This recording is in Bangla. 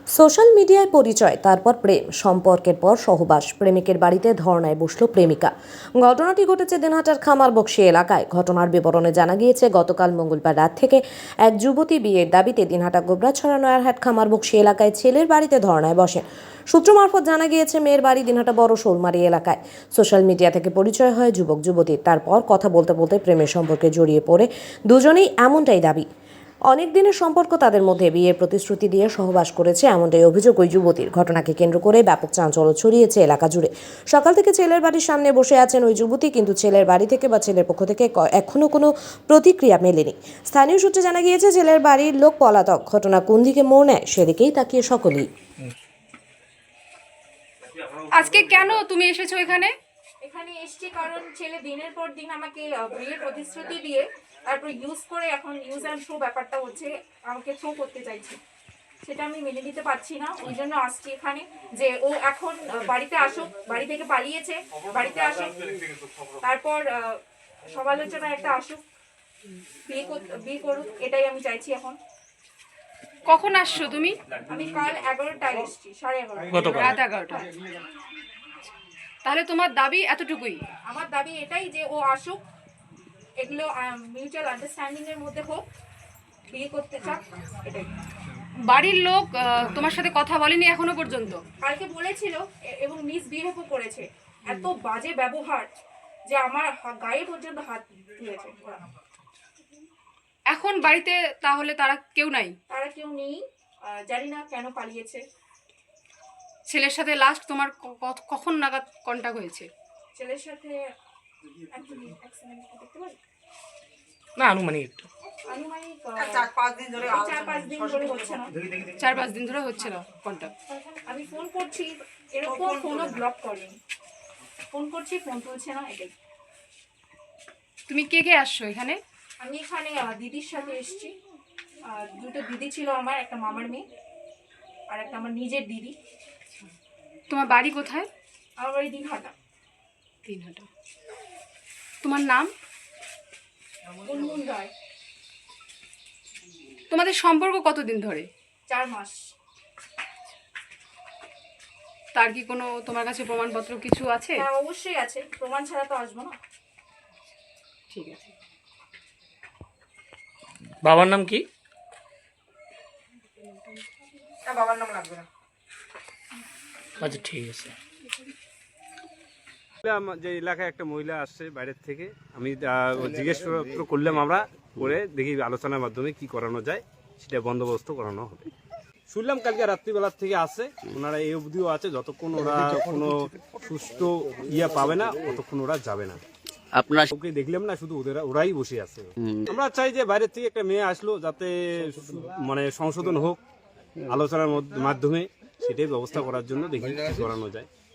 সোশ্যাল মিডিয়ায় পরিচয়, তারপর প্রেম, সম্পর্কের পর সহবাস, প্রেমিকের বাড়িতে ধর্নায় বসল প্রেমিকা। ঘটনাটি ঘটেছে দিনহাটার খামারবক্সি এলাকায়। ঘটনার বিবরণে জানা গিয়েছে, গতকাল মঙ্গলবার রাত থেকে এক যুবতী বিয়ের দাবিতে দিনহাটা গোবরাছড়া নয়ারহাট খামারবক্সি এলাকায় ছেলের বাড়িতে ধর্নায় বসেন। সূত্র মারফত জানা গিয়েছে, মেয়ের বাড়ি দিনহাটা বড় শোলমারি এলাকায়। সোশ্যাল মিডিয়া থেকে পরিচয় হয় যুবক যুবতীর। তারপর কথা বলতে বলতে প্রেমের সম্পর্কে জড়িয়ে পড়ে দুজনেই, এমনটাই দাবি। অনেক দিনের সম্পর্ক তাদের মধ্যে, বিয়ের প্রতিশ্রুতি দিয়ে সহবাস করেছে, এমনটাই অভিযোগ ওই যুবতীর। ঘটনাকে কেন্দ্র করে ব্যাপক চাঞ্চল্য ছড়িয়েছে এলাকা জুড়ে। সকাল থেকে ছেলের বাড়ির সামনে বসে আছেন ওই যুবতী, কিন্তু ছেলের বাড়ি থেকে বা ছেলের পক্ষ থেকে এখনো কোনো প্রতিক্রিয়া মেলেনি। স্থানীয় সূত্রে জানা গিয়েছে, ছেলের বাড়ির লোক পলাতক। ঘটনা কোন দিকে মোড় নেয় সেদিকেই তাকিয়ে সকলেই। আজকে কেন তুমি এসেছো এখানে? এখানে এসছি কারণ ছেলে দিনের পর দিন আমাকে বিয়ের প্রতিশ্রুতি দিয়ে তারপর ইউজ করে, এখন ইউজ অ্যান্ড থ্রো ব্যাপারটা হচ্ছে, আমাকে থ্রো করতে চাইছে। সেটা আমি মেনে নিতে পারছি না, ওই জন্য আসছি এখানে যে ও এখন বাড়িতে আসুক। বাড়ি থেকে পালিয়েছে, বাড়িতে আসুক, তারপর সমালোচনা একটা আসুক, বিয়ে করুক, এটাই আমি চাইছি এখন। কখন আসছো তুমি? আমি কাল 11টায় এসছি, 11:30 রাত 11টা। তাহলে তোমার দাবি এতটুকুই? আমার দাবি এটাই যে ও আসুক, এগুলো মিউচুয়াল আন্ডারস্ট্যান্ডিং এর মধ্যে হোক, বিয়ে করতে চাক, এটাই। বাড়ির লোক তোমার সাথে কথা বলেনি এখনো পর্যন্ত? কালকে বলেছিল এবং মিসবিহেভও করেছে। এত বাজে ব্যবহার যে আমার গায়ে পর্যন্ত হাত দিয়েছে ওরা। এখন বাড়িতে তাহলে তারা কেউ নাই? তারা কেউ নেই, জানি না কেন পালিয়েছে। ছেলের সাথে লাস্ট তোমার কখন নাগাদ কন্টাক্ট হয়েছে? ছেলের সাথে দেখতে পারি না, আনুমানিক আনুমানিক 4-5 দিন ধরে 4-5 দিন ধরে হচ্ছে না। 4-5 দিন ধরে হচ্ছে না কন্টাক্ট। আমি ফোন করছি, এরকম ফোনও ব্লক করেনি। ফোন করছি, ফোন তুলছে না, এটাই। তুমি কে কে আসছো এখানে? আমি এখানে দিদির সাথে এসেছি। দুটো দিদি ছিল আমার, একটা মামার মেয়ে আর একটা আমার নিজের দিদি। তোমার বাড়ি কোথায়? আমার বাড়ি দিনহাটা। দিনহাটা। তোমার নাম? গুনগুন রায়। তোমাদের সম্পর্ক কতদিন ধরে? 4 মাস। তার কি কোনো তোমার কাছে প্রমাণপত্র কিছু আছে? হ্যাঁ, অবশ্যই আছে, প্রমাণ ছাড়া তো আসবো না। ঠিক আছে। বাবার নাম কি? বাবার নাম লাগবে না। আচ্ছা, ঠিক আছে। যে এলাকায় একটা মহিলা আসছে বাইরের থেকে, আমি জিজ্ঞেস করলাম, আমরা করে দেখি আলোচনার মাধ্যমে কি করানো যায় সেটা বন্দোবস্ত করানো হবে। শুনলাম কালকে রাত্রিবেলার থেকে আসে, ওনারা এই অবধিও আছে, যতক্ষণ ওরা কোনো সুষ্ঠু পাবে না ততক্ষণ ওরা যাবে না। আপনার ওকে দেখলাম না, শুধু ওরাই বসে আছে। আমরা চাই যে বাইরের থেকে একটা মেয়ে আসলো, যাতে মানে সংশোধন হোক আলোচনার মাধ্যমে, সেটাই ব্যবস্থা করার জন্য দেখি কি করানো যায়।